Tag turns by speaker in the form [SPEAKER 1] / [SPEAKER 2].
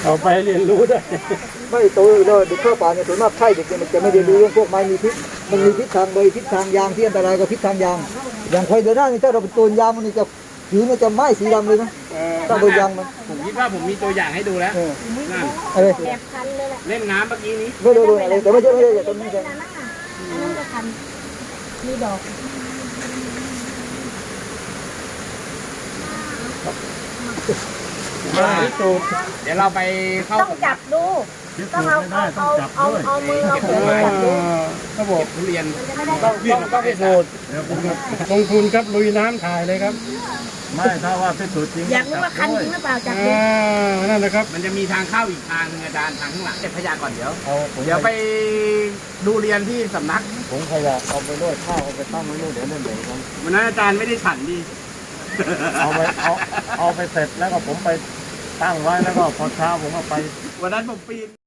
[SPEAKER 1] เอาไปเรียนรู้ด้วย
[SPEAKER 2] ไม่โตเลยเด็กเข้าป่าเนี่ยส่วนมากใช่เด็กมันจะไม่ได้รู้เรื่องพวกไม้มีพิษมันมีพิษทางใบพิษทางยางที่อันตรายกับพิษทางยางอย่างไฟเดือดหน้านี่ถ้าเราเป็นตัวยางมันจะผิวมันจะไหม้สีดำเลยนะถ้าโดนยางมัน
[SPEAKER 3] ผมคิดว่าผมมีตัวอย่างให้ดูแล้วนั่น
[SPEAKER 2] อะไร
[SPEAKER 4] แบบคันเลยแหละ
[SPEAKER 3] เล่นน้ำเมื่อกี้นี้
[SPEAKER 2] ไม่โดนอะไรแต่ไม่ใช่อย่างต้นนี้ใช่
[SPEAKER 4] อันนั้นจะคันมีดอก
[SPEAKER 3] เดี๋ยวเราไปเข้า
[SPEAKER 4] ต้องจับดูต้องเอามือเอามือจับดู
[SPEAKER 1] ครับผม
[SPEAKER 3] ทุเรียน
[SPEAKER 1] ต้องพิสูจน์ลงทุนครับลุยน้ำถ่ายเลยครับ
[SPEAKER 5] ไม่ถ้าว่าพิสูจน์จริง
[SPEAKER 4] อยากรู้ว่าคันจริงหรือเปล่าจับดู
[SPEAKER 1] นั่นนะครับ
[SPEAKER 3] มันจะมีทางเข้าอีกทางนึงอาจารย์ทางข้างหลังเก็บขยะก่อนเดี๋ยวไปดูเรียนที่สำนัก
[SPEAKER 5] ผมขยะเอาไปด้วยข้าวเอาไปตั้งไว้ด้วยเดี๋ยวเล่นเหมือนกัน
[SPEAKER 3] วันนั้นอาจารย์ไม่ได้ฉันดี
[SPEAKER 5] เอาไปเสร็จแล้วก็ผมไปตั้งไว้แล้วก็พอเช้าผมก็ไป
[SPEAKER 3] วันนั้นผมปีน